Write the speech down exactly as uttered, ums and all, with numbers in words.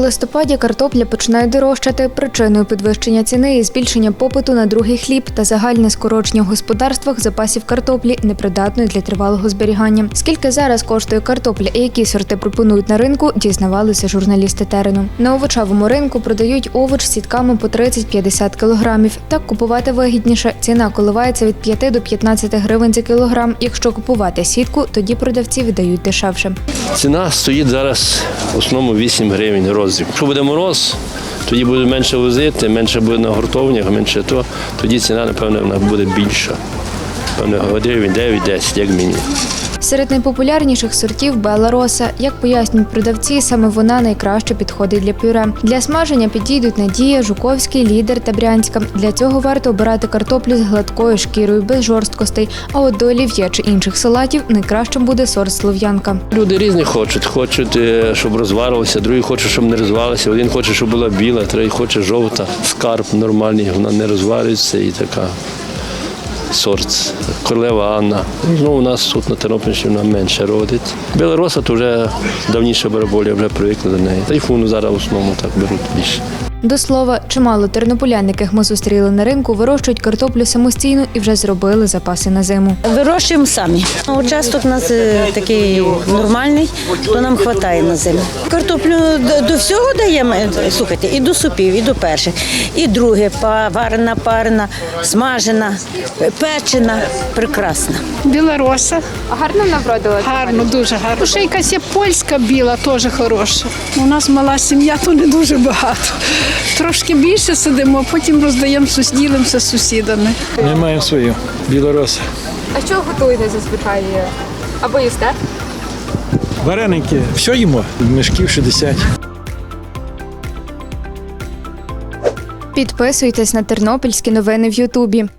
листопаді картопля починає дорожчати. Причиною підвищення ціни є збільшення попиту на другий хліб та загальне скорочення в господарствах запасів картоплі, непридатної для тривалого зберігання. Скільки зараз коштує картопля і які сорти пропонують на ринку, дізнавалися журналісти терену. На овочевому ринку продають овоч з сітками по тридцять-п'ятдесят кілограмів. Так купувати вигідніше. Ціна коливається від п'яти до п'ятнадцяти гривень за кілограм. Якщо купувати сітку, тоді продавці віддають дешевше. Ціна стоїть зараз в основному вісім гривень роздріб. Якщо буде мороз, тоді буде менше возити, менше буде на гуртовнях, менше то, тоді ціна, напевно, вона буде більша. Напевно, гривень дев'ять-десять, як мінімум. Серед найпопулярніших сортів – Белла Роса. Як пояснюють продавці, саме вона найкраще підходить для пюре. Для смаження підійдуть Надія, Жуковський, Лідер та Брянська. Для цього варто обирати картоплю з гладкою шкірою, без жорсткостей. А от до олів'є чи інших салатів найкращим буде сорт Слов'янка. Люди різні хочуть. Хочуть, щоб розварилося, другі хочуть, щоб не розварилося. Один хоче, щоб була біла, третій хоче жовта. Скарб нормальний, вона не розварюється і така. Сорт Королева Анна. Ну, у нас тут на Тернопільщині вона менше родить. Белла Роса то вже давніше бараболя, вже привикли до неї. Тайфуну зараз в основному так беруть більше. До слова, чимало тернополян, яких ми зустріли на ринку, вирощують картоплю самостійно і вже зробили запаси на зиму. Вирощуємо самі. Участок у нас такий нормальний, то нам вистачає на зиму. Картоплю до всього даємо, слухайте, і до супів, і до перших, і друге, варена, парена, смажена, печена, прекрасна. Біла роса. А гарно навродила? Гарно, дуже гарно. Ще якась є польська біла, теж хороша. У нас мала сім'я, то не дуже багато. Трошки більше сидимо, а потім роздаємо, ділимося з сусідами. Ми маємо свою білороса. А що готуєте зазвичай? Або їсте? Вареники, все їмо, мішків шістдесят. Підписуйтесь на тернопільські новини в Ютубі.